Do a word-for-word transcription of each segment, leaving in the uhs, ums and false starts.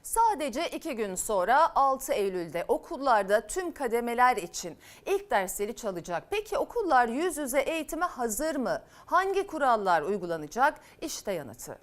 Sadece iki gün sonra altı Eylül'de okullarda tüm kademeler için ilk dersleri çalacak. Peki okullar yüz yüze eğitime hazır mı? Hangi kurallar uygulanacak? İşte yanıtı.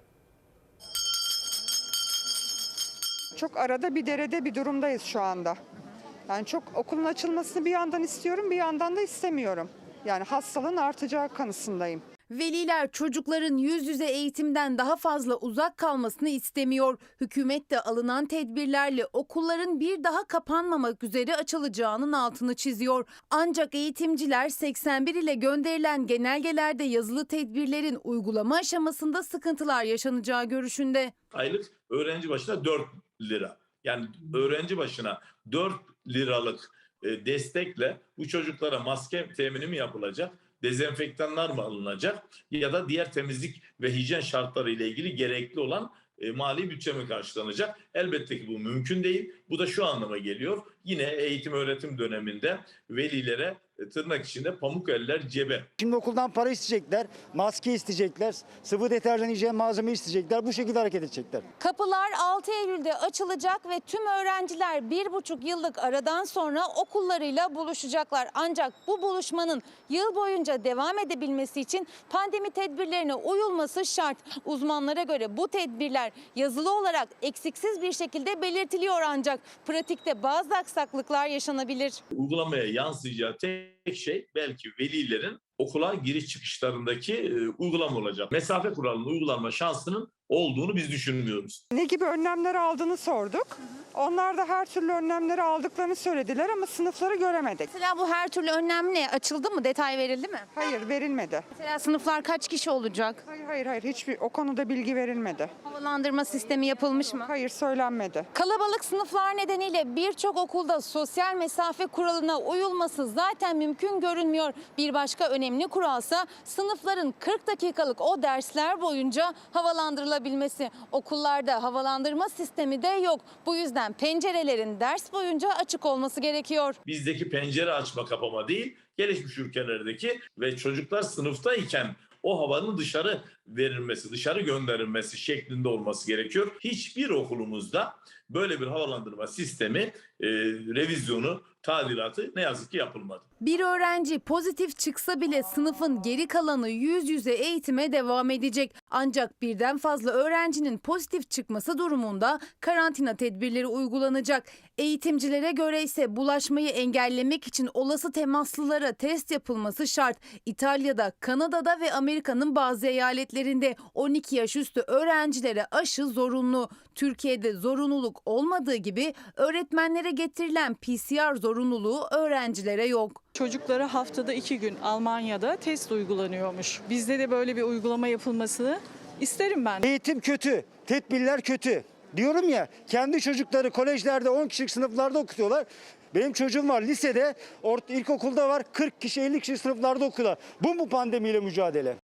Çok arada bir derede bir durumdayız şu anda. Yani çok okulun açılmasını bir yandan istiyorum, bir yandan da istemiyorum. Yani hastalığın artacağı kanısındayım. Veliler çocukların yüz yüze eğitimden daha fazla uzak kalmasını istemiyor. Hükümet de alınan tedbirlerle okulların bir daha kapanmamak üzere açılacağının altını çiziyor. Ancak eğitimciler seksen bir ile gönderilen genelgelerde yazılı tedbirlerin uygulama aşamasında sıkıntılar yaşanacağı görüşünde. Aylık öğrenci başına dört lira. Yani öğrenci başına dört liralık destekle bu çocuklara maske temini mi yapılacak? Dezenfektanlar mı alınacak ya da diğer temizlik ve hijyen şartları ile ilgili gerekli olan e, mali bütçe mi karşılanacak? Elbette ki bu mümkün değil. Bu da şu anlama geliyor. Yine eğitim öğretim döneminde velilere e, tırnak içinde pamuk eller cebe. Şimdi okuldan para isteyecekler, maske isteyecekler, sıvı deterjan, hijyen malzeme isteyecekler. Bu şekilde hareket edecekler. Kapılar altı Eylül'de açılacak ve tüm öğrenciler bir buçuk yıllık aradan sonra okullarıyla buluşacaklar. Ancak bu buluşmanın yıl boyunca devam edebilmesi için pandemi tedbirlerine uyulması şart. Uzmanlara göre bu tedbirler yazılı olarak eksiksiz bir şekilde belirtiliyor ancak pratikte bazı aksaklıklar yaşanabilir. Uygulamaya yansıyacağı tek şey belki velilerin okula giriş çıkışlarındaki e, uygulama olacak. Mesafe kuralının uygulanma şansının olduğunu biz düşünmüyoruz. Ne gibi önlemler aldığını sorduk. Onlar da her türlü önlemleri aldıklarını söylediler ama sınıfları göremedik. Mesela bu her türlü önlem ne? Açıldı mı? Detay verildi mi? Hayır, verilmedi. Mesela sınıflar kaç kişi olacak? Hayır hayır hayır hiçbir o konuda bilgi verilmedi. Havalandırma sistemi yapılmış mı? Hayır, söylenmedi. Kalabalık sınıflar nedeniyle birçok okulda sosyal mesafe kuralına uyulması zaten mümkün görünmüyor. Bir başka önemli kuralsa sınıfların kırk dakikalık o dersler boyunca havalandırılabilmesi. Okullarda havalandırma sistemi de yok. Bu yüzden pencerelerin ders boyunca açık olması gerekiyor. Bizdeki pencere açma kapama değil, gelişmiş ülkelerdeki ve çocuklar sınıftayken o havanın dışarı verilmesi, dışarı gönderilmesi şeklinde olması gerekiyor. Hiçbir okulumuzda böyle bir havalandırma sistemi, e, revizyonu, tadilatı ne yazık ki yapılmadı. Bir öğrenci pozitif çıksa bile sınıfın geri kalanı yüz yüze eğitime devam edecek. Ancak birden fazla öğrencinin pozitif çıkması durumunda karantina tedbirleri uygulanacak. Eğitimcilere göre ise bulaşmayı engellemek için olası temaslılara test yapılması şart. İtalya'da, Kanada'da ve Amerika'nın bazı eyaletlerinde on iki yaş üstü öğrencilere aşı zorunlu. Türkiye'de zorunluluk olmadığı gibi öğretmenlere getirilen P C R zorunluluğu öğrencilere yok. Çocuklara haftada iki gün Almanya'da test uygulanıyormuş. Bizde de böyle bir uygulama yapılmasını isterim ben. Eğitim kötü, tedbirler kötü. Diyorum ya, kendi çocukları kolejlerde on kişilik sınıflarda okutuyorlar. Benim çocuğum var lisede, ilkokulda var kırk kişi elli kişi sınıflarda okuyorlar. Bu mu pandemiyle mücadele?